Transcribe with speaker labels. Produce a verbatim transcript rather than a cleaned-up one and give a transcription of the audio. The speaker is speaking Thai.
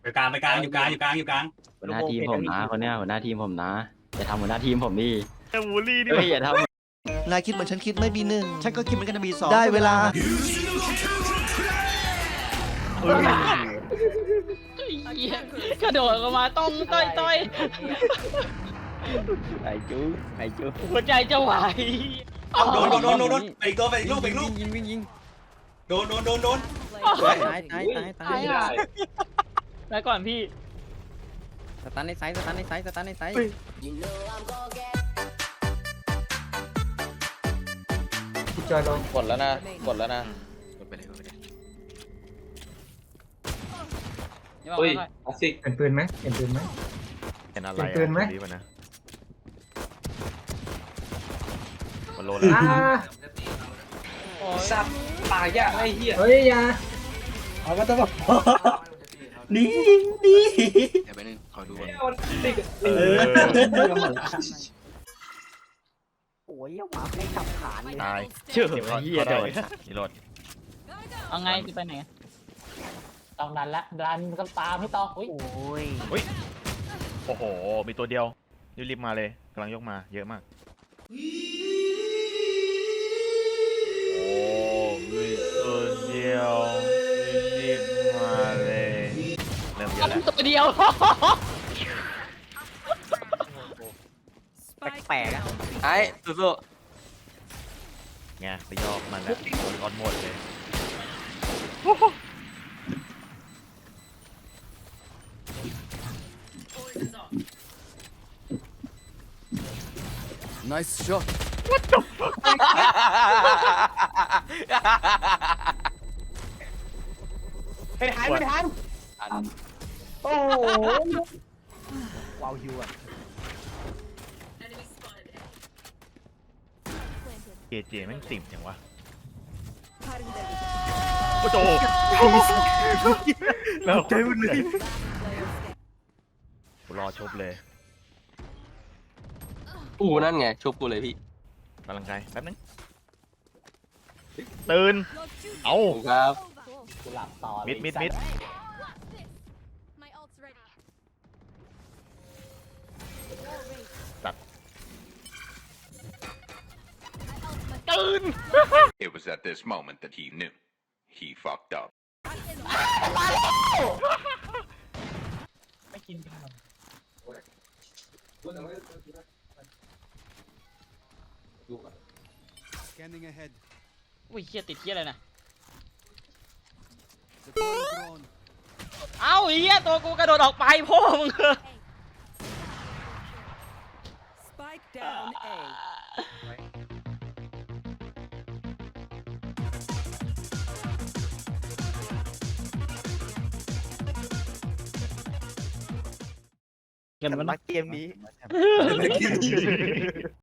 Speaker 1: อยู่กลางไปกลางอยู่กลางอยู่กลางอยู่กลาง
Speaker 2: หัวหน้าทีมผมนะคนเนี้ยหัวหน้าทีมผมนะอย่าทำหัวหน้าทีมผมดิ
Speaker 3: บูลลี่ดิ
Speaker 2: เฮ้ยอย่าท
Speaker 4: นายคิดเหมือนฉันคิดไม่บีหนึ่ง
Speaker 5: ฉันก็คิดเหมือนกันนะบีสอง
Speaker 4: ได้เวลา
Speaker 6: กระโดดออกมาต้องต้อยต้อย
Speaker 2: ำไอ้จูไอ้จู
Speaker 6: หัวใจจะไหว
Speaker 1: โดนโดนโดนโดนโดนไปอีกตัวไปอีกลูกไปอีกลูก
Speaker 2: ยิงยิงยิง
Speaker 1: โดนโดนโดนโดน
Speaker 2: ตายตายตายตายตาย
Speaker 6: ไปก่อนพี่
Speaker 2: สตันในไซส์สตันในไซส์สตันในไซส์
Speaker 7: จอยลง
Speaker 2: กดแล้วนะกดแล้วนะ
Speaker 6: เฮ้ย
Speaker 7: คลาสสิกเห็นปืนไหมเห็นปืนไหม
Speaker 3: เป็นอะไร
Speaker 7: เห็นปืนไหม
Speaker 3: ดีป่ะนะมันโลแล้ว
Speaker 7: อ่า
Speaker 1: สับปากยากไอ้เหี้ย
Speaker 7: เฮ้ยอยา
Speaker 1: เอาก็ต้องบอกนี่นี่
Speaker 2: เดี๋ยวไปนึงขอดู
Speaker 1: เออ
Speaker 5: โอ้ยหมาไม่ขับขานเลย
Speaker 3: ตาย
Speaker 2: เชื่อ
Speaker 3: รีโหลด
Speaker 2: เฮียโดน
Speaker 3: รีโหลด
Speaker 6: เอาไงจะไปไหนต้องดันละดันก็ตามให้ต้องอุ้ย
Speaker 5: โอ้ย
Speaker 3: โอ้โหมีตัวเดียวรีบๆมาเลยกำลังยกมาเยอะมากโอ้มีตัวเดียวรีบๆมาเลยเริ่มเยอะแล้ว
Speaker 6: ตัวเดียว
Speaker 5: แปลกๆอะ
Speaker 2: ไอ้สู้
Speaker 3: ไงไปยอกมันแล้วโดนก้อนหมดเลย
Speaker 1: ไม่ทันไม่ทัน
Speaker 5: โอ้โหว้าวฮิวอะ
Speaker 3: เจเจแม่งติ่มจังวะโอ้โหแล้วใจมันเลยรอชบเลย
Speaker 2: อู้นั่นไงชุบกูเลยพี่
Speaker 3: กำลังใจแป๊บนึงตื่นเอา
Speaker 2: ครับ
Speaker 6: กูหลับต่อ
Speaker 3: มิดมิดมิด
Speaker 8: My ult's ready.
Speaker 3: ตัด
Speaker 6: ตื่น
Speaker 9: It was at this moment that he knew. He fucked up.
Speaker 6: ไม่กินขนม
Speaker 5: Scanning ahead
Speaker 6: อุ้ยเฮียติดเฮียอะไรนะ
Speaker 5: Deploying drone
Speaker 6: เอ้าเฮียตัวกูกระโดดออกไปพ่อมึง
Speaker 8: Spike down A.
Speaker 6: เกินมัน
Speaker 5: รักเกมนี้